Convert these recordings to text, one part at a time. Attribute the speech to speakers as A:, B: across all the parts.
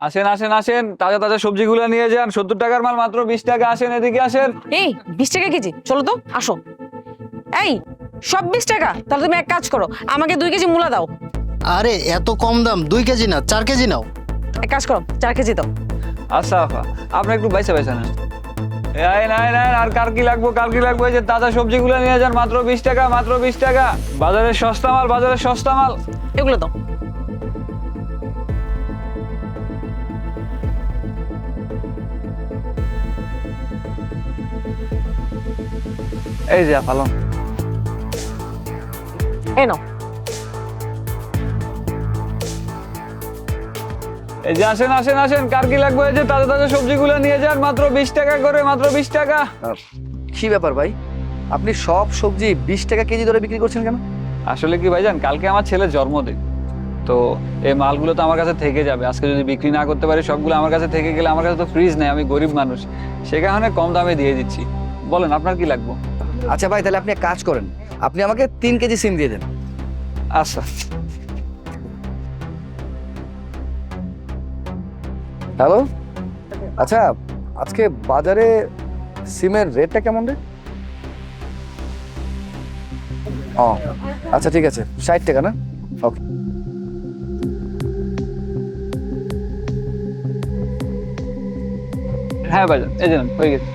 A: আসেন আসেন আসেন, তাজা তাজা সবজিগুলো নিয়ে যান। 70 টাকার মাল মাত্র 20 টাকা। আসেন, এদিকে আসেন।
B: এই 20 টাকা কেজি, চলো তো আসো। এই সব 20 টাকা? তাহলে তুমি এক কাজ করো, আমাকে 2 কেজি মূলা দাও।
C: আরে এত কম দাম, 2 কেজি না 4 কেজি নাও।
B: এক কাজ করো, 4 কেজি দাও।
A: আচ্ছা আপা, আপনি একটু বাইসা বাইসা নেন। এই নাই নাই, আর কার কি লাগবো, কার কি লাগবো? এই যে তাজা সবজিগুলো নিয়ে যান, মাত্র 20 টাকা, মাত্র 20 টাকা। বাজারের সস্তা মাল, বাজারের সস্তা মাল।
B: এগুলো দাও।
A: এই যে পালন।
B: এই নাও।
A: এই যে আসেন আসেন আসেন, কার কি লাগবে? এই যে তাজা তাজা সবজিগুলো নিয়ে যান, মাত্র 20 টাকা করে, মাত্র 20 টাকা।
D: কি ব্যাপার ভাই, আপনি সব সবজি 20 টাকা কেজি ধরে বিক্রি করছেন কেন?
A: আসলে কি ভাইজান, কালকে আমার ছেলের জন্মদিন, তো এই মালগুলো তো আমার কাছে থেকে যাবে। আজকে যদি বিক্রি না করতে পারি, সবগুলো আমার কাছে থেকে গেলে, আমার কাছে তো ফ্রিজ নেই, আমি গরিব মানুষ, সে কারণে কম দামে দিয়ে দিচ্ছি। বলেন আপনার কি লাগবে?
D: আচ্ছা ভাই, তাহলে আপনি এক কাজ করেন, আপনি আমাকে 3 কেজি সিম দিয়ে দেন।
A: আচ্ছা।
D: হ্যালো, আচ্ছা আজকে বাজারে সিমের রেটটা কেমন রে? ও আচ্ছা ঠিক আছে, 60 টাকা না? ওকে।
A: হ্যাঁ ভাইজান, এই যে নেন, হয়ে গেছে।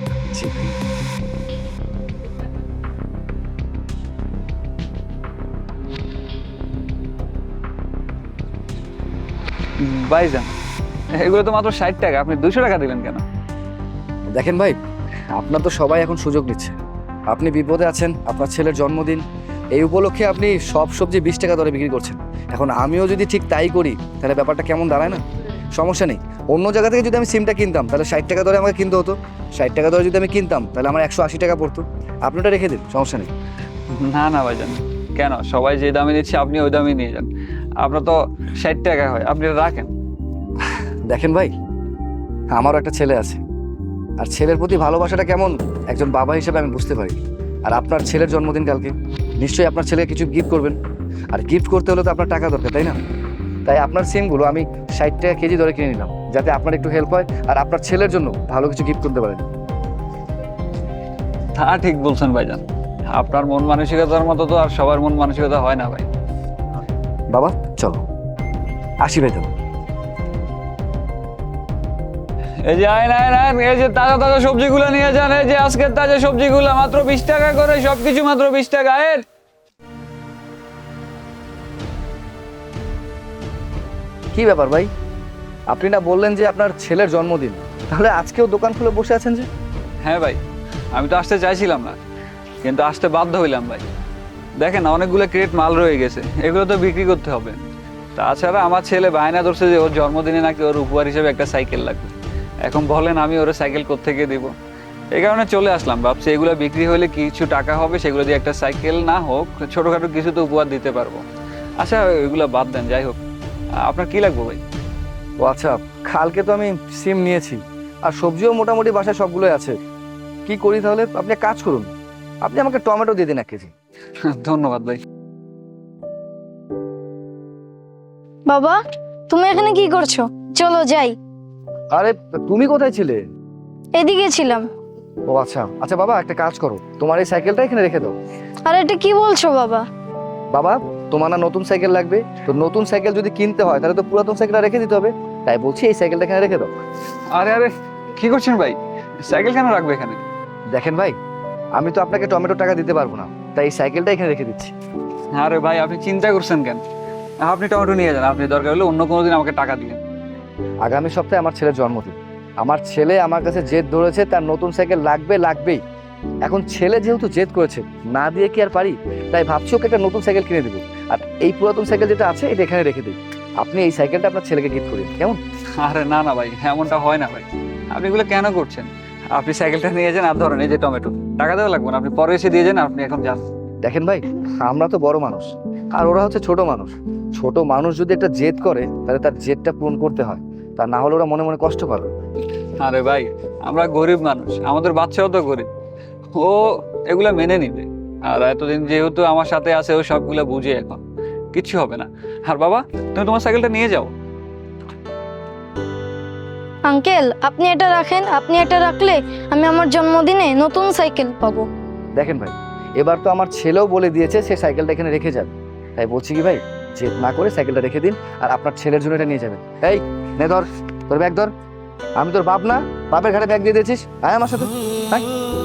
A: ভাইজান, এগুলো তো মাত্র 60 টাকা, আপনি 200 টাকা দিলেন কেন?
D: দেখেন ভাই, আপনার তো সবাই এখন সুযোগ নিচ্ছে। আপনি বিপদে আছেন, আপনার ছেলের জন্মদিন, এই উপলক্ষে আপনি সব সবজি 20 টাকা দরে বিক্রি করছেন। এখন আমিও যদি ঠিক তাই করি, তাহলে ব্যাপারটা কেমন দাঁড়ায় না? সমস্যা নেই, অন্য জায়গা থেকে যদি আমি সিমটা কিনতাম, তাহলে 60 টাকা দরে আমাকে কিনতে হতো। 60 টাকা দরে যদি আমি কিনতাম, তাহলে আমার 180 টাকা পড়তো। আপনি ওটা রেখে দিন, সমস্যা নেই।
A: না না ভাইজান, কেন? সবাই যে দামে নিচ্ছে, আপনি ওই দামে নিয়ে যান। আপনার তো 60 টাকা হয়, আপনি এটা রাখেন।
D: দেখেন ভাই, আমারও একটা ছেলে আছে, আর ছেলের প্রতি ভালোবাসাটা কেমন একজন বাবা হিসেবে আমি বুঝতে পারি। আর আপনার ছেলের জন্মদিন কালকে, নিশ্চয়ই আপনার ছেলেকে কিছু গিফট করবেন, আর গিফট করতে হলে তো আপনার টাকা দরকার, তাই না? তাই আপনার সিমগুলো আমি 60 টাকা কেজি দরে কিনে নিলাম, যাতে আপনার একটু হেল্প হয় আর আপনার ছেলের জন্য ভালো কিছু গিফট করতে পারেন।
A: তা ঠিক বলছেন ভাইজান, আপনার মন মানসিকতার মতো তো আর সবার মন মানসিকতা হয় না ভাই।
D: বাবা চলো, আসি ভাই তবে।
A: এই যে আইন আইন আইন, এই যে তাজা তাজা সবজিগুলো নিয়ে যান। এই যে আজকের তাজা সবজিগুলো মাত্র 20 টাকা করে, সবকিছু মাত্র 20 টাকা। আইন।
D: কি ব্যাপার ভাই, আপনি না বললেন যে আপনার ছেলের জন্মদিন, তাহলে আজকেও দোকান খুলে বসে আছেন যে?
A: হ্যাঁ ভাই, আমি তো আসতে চাইছিলাম না, কিন্তু আসতে বাধ্য হইলাম ভাই। দেখেন, অনেকগুলো ক্রেট মাল রয়ে গেছে, এগুলো তো বিক্রি করতে হবে। তাছাড়া আমার ছেলে বায়না ধরছে যে ওর জন্মদিনে নাকি ওর উপহার হিসেবে একটা সাইকেল লাগবে। এখন বলেন আমি ওর সাইকেল কোত্থেকে দিব? এই কারণে চলে আসলাম, ভাবছি এগুলো বিক্রি হলে কিছু টাকা হবে, সেগুলো দিয়ে একটা সাইকেল না হোক ছোটখাটো কিছু তো উপহার দিতে পারবো। আচ্ছা এগুলো বাদ দেন, যাই হোক, আপনার কি লাগবে ভাই?
D: ও আচ্ছা, কালকে তো আমি সিম নিয়েছি, আর সবজিও মোটামুটি বাসায় সবগুলোই আছে। কি করি তাহলে? আপনি এক কাজ করুন, আপনি আমাকে টমেটো দিয়ে দিন 1 কেজি।
A: ধন্যবাদ ভাই।
E: বাবা, তুমি এখানে কি করছো? চলো যাই।
D: আরে তুমি কোথায় ছিলে?
E: এদিকে ছিলাম।
D: ও আচ্ছা আচ্ছা বাবা, একটা কাজ করো, তোমার এই সাইকেলটা এখানে রেখে দাও।
E: আর এটা কি বলছো বাবা?
D: বাবা, তোমার না নতুন সাইকেল লাগবে, তো নতুন সাইকেল যদি কিনতে হয় তাহলে তো পুরাতন সাইকেলটা রেখে দিতে হবে, তাই বলছি এই সাইকেলটা এখানে রেখে দাও।
A: আরে আরে, কি করছেন ভাই? সাইকেল কেন রাখবে এখানে?
D: দেখেন ভাই, আমি তো আপনাকে টমেটো টাকা দিতে পারবো না, তাই এই সাইকেলটা এখানে রেখে দিচ্ছি।
A: আরে ভাই, আপনি চিন্তা করছেন কেন? আপনি টমেটো নিয়ে যান, আপনি দরকার হলে অন্য কোনো দিন আমাকে টাকা দিবেন।
D: আগামী সপ্তাহে আমার ছেলের জন্মদিন, আমার ছেলে আমার কাছে জেদ ধরেছে তার নতুন সাইকেল লাগবে লাগবেই। এখন ছেলে যেহেতু জেদ করেছে, না দিয়ে কি আর পারি? তাই ভাবছি ওকে একটা নতুন সাইকেল কিনে দেবো, আর এই পুরাতন সাইকেল যেটা আছে এটা এখানে রেখে দিই। আপনি এই সাইকেলটা আপনার ছেলেকে গিফট করেন, কেমন?
A: আরে না না ভাই, এমনটা হয় না ভাই, আপনি এগুলো কেন করছেন? আপনি সাইকেলটা নিয়ে যান, আর ধরেন এই যে টমেটো, টাকা দেওয়া লাগবে না, আপনি পরে এসে দিয়ে যান, আপনি এখন যান।
D: দেখেন ভাই, আমরা তো বড় মানুষ, আর ওরা হচ্ছে ছোট মানুষ। ছোট মানুষ যদি একটা জেদ করে, তাহলে তার জেদটা পূরণ করতে হয়, তা না হলে ওরা মনে মনে কষ্ট পাবে।
A: আরে ভাই, আমরা গরিব মানুষ, আমাদের বাচ্চাও তো গরিব, ও এগুলা মেনে নিবে। আর এতদিন যেহেতু আমার সাথে আছে, ও সবগুলা বুঝে, এখন কিচ্ছু হবে না। আর বাবা, তুমি তোমার সাইকেলটা নিয়ে যাও।
E: আঙ্কেল আপনি এটা রাখেন, আপনি এটা রাখলে আমি আমার জন্মদিনে নতুন সাইকেল পাবো।
D: দেখেন ভাই, এবার তো আমার ছেলেও বলে দিয়েছে সে সাইকেলটা এখানে রেখে যাবে, তাই বলছি কি ভাই, জেদ না করে সাইকেলটা রেখে দিন আর আপনার ছেলের জন্য এটা নিয়ে যাবেন। এই নে ধর, তোর ব্যাগ ধর। আমি তোর বাপ না, বাপের ঘাড়ে ব্যাগ দিয়ে দিয়েছিস, আয় আমার সাথে আয়।